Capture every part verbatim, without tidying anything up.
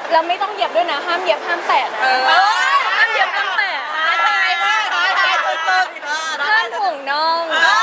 เราไม่ต้องเหยียบด้วยนะห้ามเหยียบห้ามแตะนะห้ามเหยียบห้ามแตะท้าทายมากท้าทายสุดๆห้ามถ่วงน้อง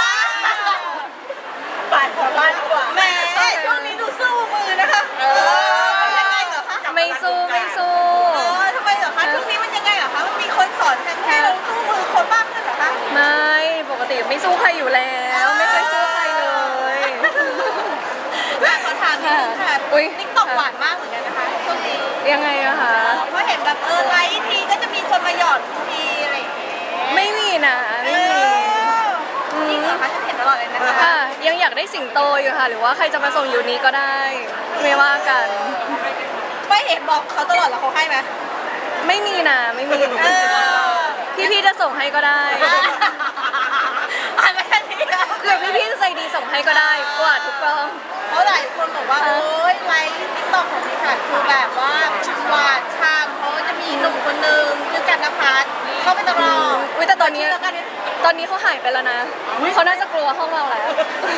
ปาดของบ้านดีกว่าแหมช่วงนี้ดูสู้มือนะคะเออมันยังไงเหรอคะไม่สู้ไม่สู้เออทำไมเหรอคะช่วงนี้มันยังไงเหรอคะมันมีคนสอนให้เราสู้มือคนมากขึ้นเหรอคะไม่ปกติไม่สู้ใครอยู่แล้วไม่เคยสู้ใครเลยขอถามนิดนึงค่ะติ๊กต็อกหวานมากเหมือนกันนะคะช่วงนี้ยังไงอะคะเพราะเห็นแบบเออไลฟ์ทีก็จะมีคนมาหยอดทีอะไรอย่างเงี้ยไม่มีนะไม่มีจริงเหรอคะฉันเห็นตลอดเลยนะคะค่ะยังอยากได้สิงโตอยู่ค่ะหรือว่าใครจะมาส่งยูนี้ก็ได้ไม่ว่ากันไม่เห็นบอกเขาตลอดแล้วเขาให้ไหมไม่มีนะไม่มีพี่พี่จะส่งให้ก็ได้อ่านมาแค่นี้หรือพี่พี่ใจดีส่งให้ก็ได้กวาดทุกกองเพราะหลายคนบอกว่าโอ๊ยไลฟ์ติ๊กต็อกของดิฉันคือแบบว่าหวานช่ำเพราะจะมีหนุ่มคนนึงชื่อกันนภัสเข้าไปตลอดอุ้ยแต่ตอนนี้ตอนนี้เขาหายไปแล้วนะเขาน่าจะกลัวห้องเราแล้ว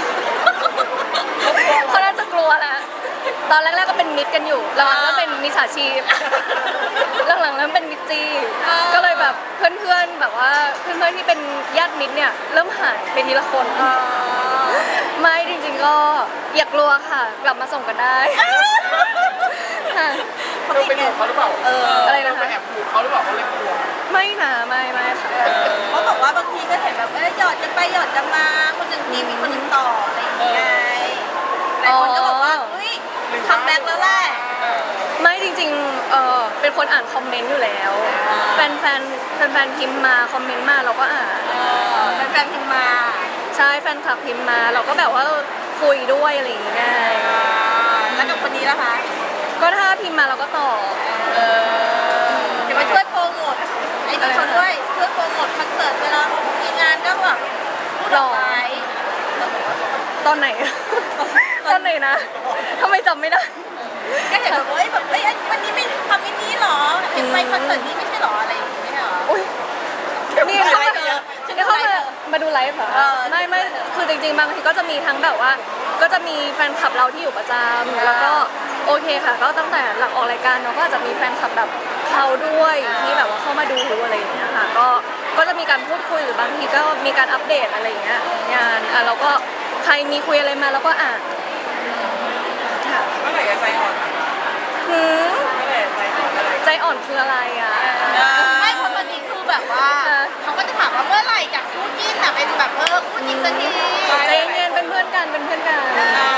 เขาน่าจะกลัวแล้วตอนแรกๆก็เป็นมิตรกันอยู่หลังๆก็เป็นมิจฉาชีพหลังๆเริ่มเป็นมิตรจีก็เลยแบบเพื่อนๆแบบว่าเพื่อนๆที่เป็นญาติมิตรเนี่ยเริ่มหายไปทีละคนไม่จริงๆก็อย่ากลัวค่ะกลับมาส่งกันได้ค่ะเขาไปดูเขาหรือเปล่าเอออะไรนะคะไปแอบดูเขาหรือเปล่าเขาเลยกลัวไม่นะไม่ไม่ค่ะเขาบอกว่าบางทีก็เห็นแบบเออหยอดจะไปหยอดจะมาคนหนึ่งทีมีคนหนึ่งต่ออะไรอย่างเงี้ยหลายคนก็บอกว่าเฮ้ยคัมแบ็กแล้วแหละไม่จริงๆเออเป็นคนอ่านคอมเมนต์อยู่แล้วแฟนแฟนแฟนแฟนพิมพ์มาคอมเมนต์มาเราก็อ่านแฟนแฟนพิมพ์มาใช่แฟนคลับพิมพ์มาเราก็แบบว่าคุยด้วยอะไรอย่างเงี้ยแล้วกับคนนี้ล่ะคะก็ถ้าพิมพ์มาเราก็ตอบเดี๋ยวมาช่วยโปรโมทไอ้นี่เขาด้วยช่วยโปรโมทคอนเสิร์ตเวลามีงานก็แบบหล่อตอนไหนตอนไหนนะทำไมจำไม่ได้ก็เห็นแบบเฮ้ยแบบเฮ้ยวันนี้ไม่ทำอันนี้หรอเห็นไปคอนเสิร์ตนี้ไม่ใช่หรออะไรอย่างเงี้ยหรออุ้ยนี่เข้ามานี่เข้ามามาดูไลฟ์เหรอไม่ไม่คือจริงๆบางทีก็จะมีทั้งแบบว่าก็จะมีแฟนคลับเราที่อยู่ประจำแล้วก็โอเคค่ะก็ตั้งแต่หลังออกรายการเราก็จะมีแฟนคลับแบบเขาด้วยที่แบบว่าเข้ามาดูอะไรอย่างเงี้ยค่ะก็ก็จะมีการพูดคุยหรือบางทีก็มีการอัปเดตอะไรอย่างเงี้ยงานอ่ะเราก็ใครมีคุยอะไรมาเราก็อ่านค่ะเมื่อไหร่จะใจอ่อนหืมเมื่อไหร่ใจอ่อนอะไรใจอ่อนคืออะไรอ่ะไม่เพราะตอนนี้คือแบบว่าเขาก็จะถามว่าเมื่อไหร่จากคู่จิ้นอ่ะเป็นแบบเออคู่จิ้นสักทีใจเย็นเป็นเพื่อนกันเป็นเพื่อนกัน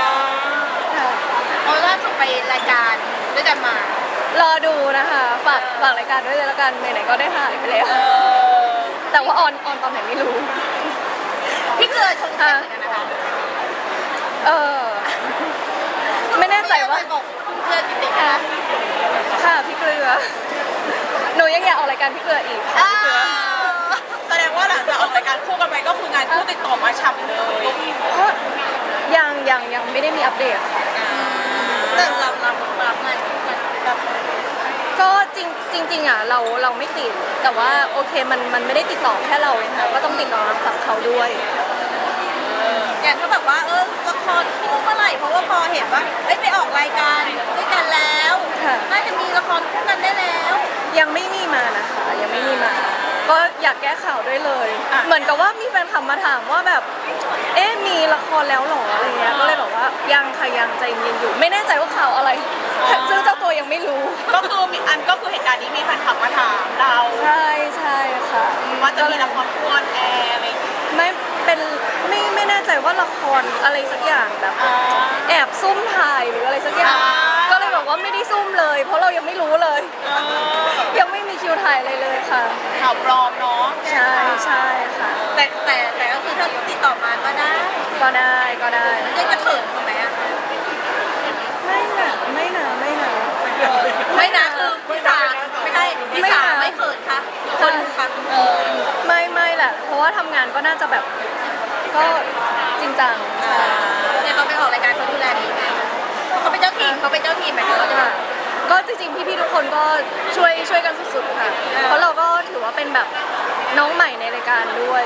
เพราะล่าสุดไปรายการด้วยกันมารอดูนะคะฝากฝากรายการด้วยเลยละกันไหนๆก็ได้ถ่ายไปแล้วแต่ว่าออนออนตอนไหนไม่รู้พี่เกลือชงค่ะนะคะเออไม่แน่ใจว่าบอกคุณเกลือติดติดค่ะค่ะพี่เกลือหนูยังอยากออกรายการพี่เกลืออีกค่ะพี่เกลือแสดงว่าหลังจากออกรายการคู่กันไปก็คืองานคู่ติดต่อมาฉ่ำเลยก็ยังยังยังไม่ได้มีอัปเดตแต่รับรับรับงานคู่กันก็จริงจริงๆอ่ะเราเราไม่ติดแต่ว่าโอเคมันมันไม่ได้ติดต่อแค่เราเลยค่ะก็ต้องติดต่อกับเขาด้วยอย่างถ้าแบบว่าเออละครคู่เมื่อไหร่เพราะว่าพอเห็นว่าเอ้ยไปออกรายการด้วยกันแล้วน่าจะมีละครคู่กันได้แล้วยังไม่มีมานะคะยังไม่มีมาก็อยากแก้ข่าวด้วยเลยเหมือนกับว่ามีแฟนคลับมาถามว่าแบบเอ๊ะมีละครแล้วหรออะไรเงี้ยก็เลยบอกว่ายังค่ะยังใจเย็นอยู่ไม่แน่ใจว่าข่าวอะไรซึ่งเจ้าตัวยังไม่รู้ก็คือมีอันก็คือเหตุการณ์นี้มีแฟนคลับมาถามเราใช่ใช่ค่ะว่าจะมีละครคู่ออนแอร์อะไรไม่เป็นไม่ไม่แน่ใจว่าละครอะไรสักอย่างแบบแอบซุ่มถ่ายหรืออะไรสักอย่างก็เลยบอกว่าไม่ได้ซุ่มเลยเพราะเรายังไม่รู้เลยยังไม่มีคิวถ่ายอะไรเลยค่ะข่าวปลอมเนาะใช่ใช่ค่ะแต่แต่แต่ก็คือถ้าติดต่อมาก็ได้ก็ได้ก็ได้ยังจะเขินทำไมอ่ะไม่นะไม่นะไม่นะไม่นะคือพี่สาไม่ใช่พี่สาไม่เขินค่ะคนค่ะเออไม่ไม่แหละเพราะว่าทำงานก็น่าจะแบบก็จริงจังเนี่ยเขาไปออกรายการเขาดูแลดีไหมเขาเป็นเจ้าทีมเขาเป็นเจ้าทีมไหมเขาจะก็จริงๆพี่ๆทุกคนก็ช่วยช่วยกันสุดๆค่ะเพราะเราก็ถือว่าเป็นแบบน้องใหม่ในรายการด้วย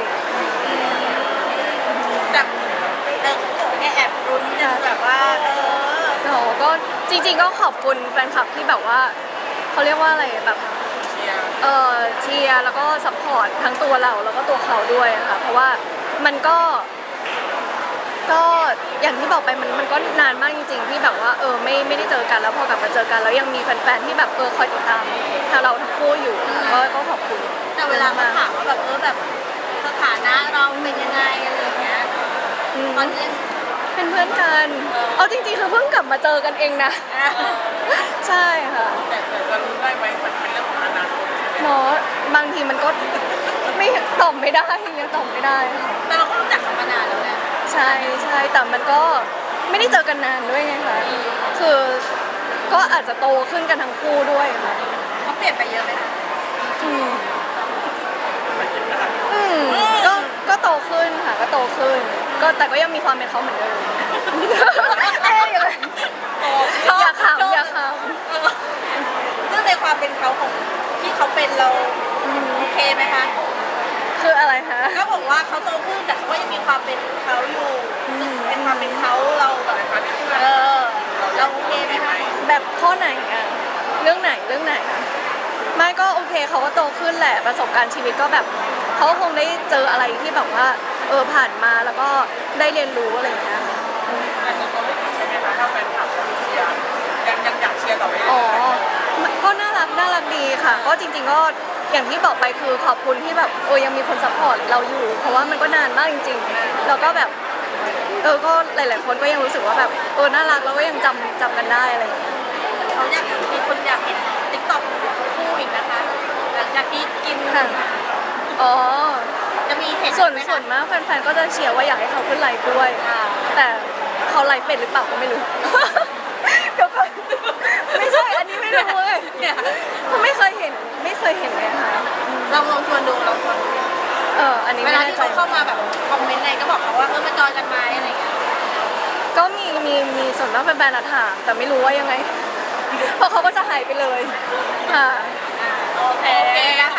แบบแอบรุ้นจะแบบว่าเออโหก็จริงๆก็ขอบคุณแฟนคลับที่แบบว่าเขาเรียกว่าอะไรแบบเชียร์เอ่อเชียร์แล้วก็ซัพพอร์ตทั้งตัวเราแล้วก็ตัวเขาด้วยอะค่ะเพราะว่ามันก็ก็อย่างที่บอกไปมันมันก็นานมากจริงๆที่แบบว่าเออไม่ไม่ได้เจอกันแล้วพอกลับมาเจอกันแล้วยังมีแฟนๆที่แบบเออคอยติดตามทางเราทั้งคู่อยู่ก็ก็ขอบคุณแต่เวลาเขาถามว่าแบบเออแบบสถานะเราเป็นยังไงอะไรอย่างเงี้ยอืมตอนนี้เป็นเพื่อนกันเอาจริงๆคือเพิ่งกลับมาเจอกันเองนะอ่ะใช่ค่ะแต่แต่จะรู้ได้ไหมมันเป็นเรื่องของอนาคตเนาะบางทีมันก็ไม่ตอบไม่ได้ยังตอบไม่ได้ค่ะแต่เราก็รู้จักกันมานานแล้วแหละใช่ใช่แต่มันก็ไม่ได้เจอกันนานด้วยไงคะคือก็อาจจะโตขึ้นกันทั้งคู่ด้วยค่ะเขาเปลี่ยนไปเยอะไหมคะอืมอืมก็ก็โตขึ้นค่ะ ก็โตขึ้น ก็แต่ก็ยังมีความเป็นเขาเหมือนเดิมเอ้ยอย่าอย่าขำอย่าขซึ่งในความเป็นเขาของที่เขาเป็นเราโอเคไหมคะำคืออะไรคะก็บอกว่าเขาโตขึ้นแต่เขาก็ยังมีความเป็นเขาอยู่ซึ่งเป็นความเป็นเขาเราแบบเออเราโอเคไหมคะแบบข้อไหนอะเรื่องไหนเรื่องไหนอะไม่ก็โอเคเขาก็โตขึ้นแหละประสบการณ์ชีวิตก็แบบเขาก็คงได้เจออะไรที่แบบว่าเออผ่านมาแล้วก็ได้เรียนรู้อะไรอย่างเงี้ยแต่ส่วนตัวไม่ติดใช่ไหมคะถ้าแฟนคลับเชียร์ยังยังอยากเชียร์ต่อไปเรื่อ๋ออยก็น่ารักน่ารักดีค่ะ ก็จริงๆก็อย่างที่บอกไปคือขอบคุณที่แบบเออยังมีคนซัพพอร์ตเราอยู่ เพราะว่ามันก็นานมากจริงๆแล้วก็แบบเออก็หลายๆคนก็ยังรู้สึกว่าแบบเออน่ารักแล้วก็ยังจำจำกันได้อะไรอย่างเงี้ยเขาอยากมีคนอยากเห็นติ๊กต็อกคู่อีกนะคะหลังจากที่กินค่ะอ๋อจะมีเห็นส่วนไหมคะส่วนมากแฟนๆก็จะเชียร์ว่าอยากให้เขาขึ้นไลฟ์ด้วยอ่าแต่เขาไลฟ์เป็นหรือเปล่าก็ไม่รู้ เดี๋ยวก่อนไม่ใช่อันนี้ไม่รู้เลยเนี่ยเขาไม่เคยเห็นไม่เคยเห็นเลยค่ะลองลองชวนดูลองชวนดูเอออันนี้เวไม่ลาแน่ที่ใจเขาเข้ามาแบบคอมเมนต์อะไรก็บอกเขาว่าเออมาจอยกันไหมอะไรอย่างเงี้ยก็มีมีมีส่วนมากแฟนๆอะถามแต่ไม่รู้ว่ายังไง เพราะเขาก็จะหายไปเลยค่ะโอเคนะคะ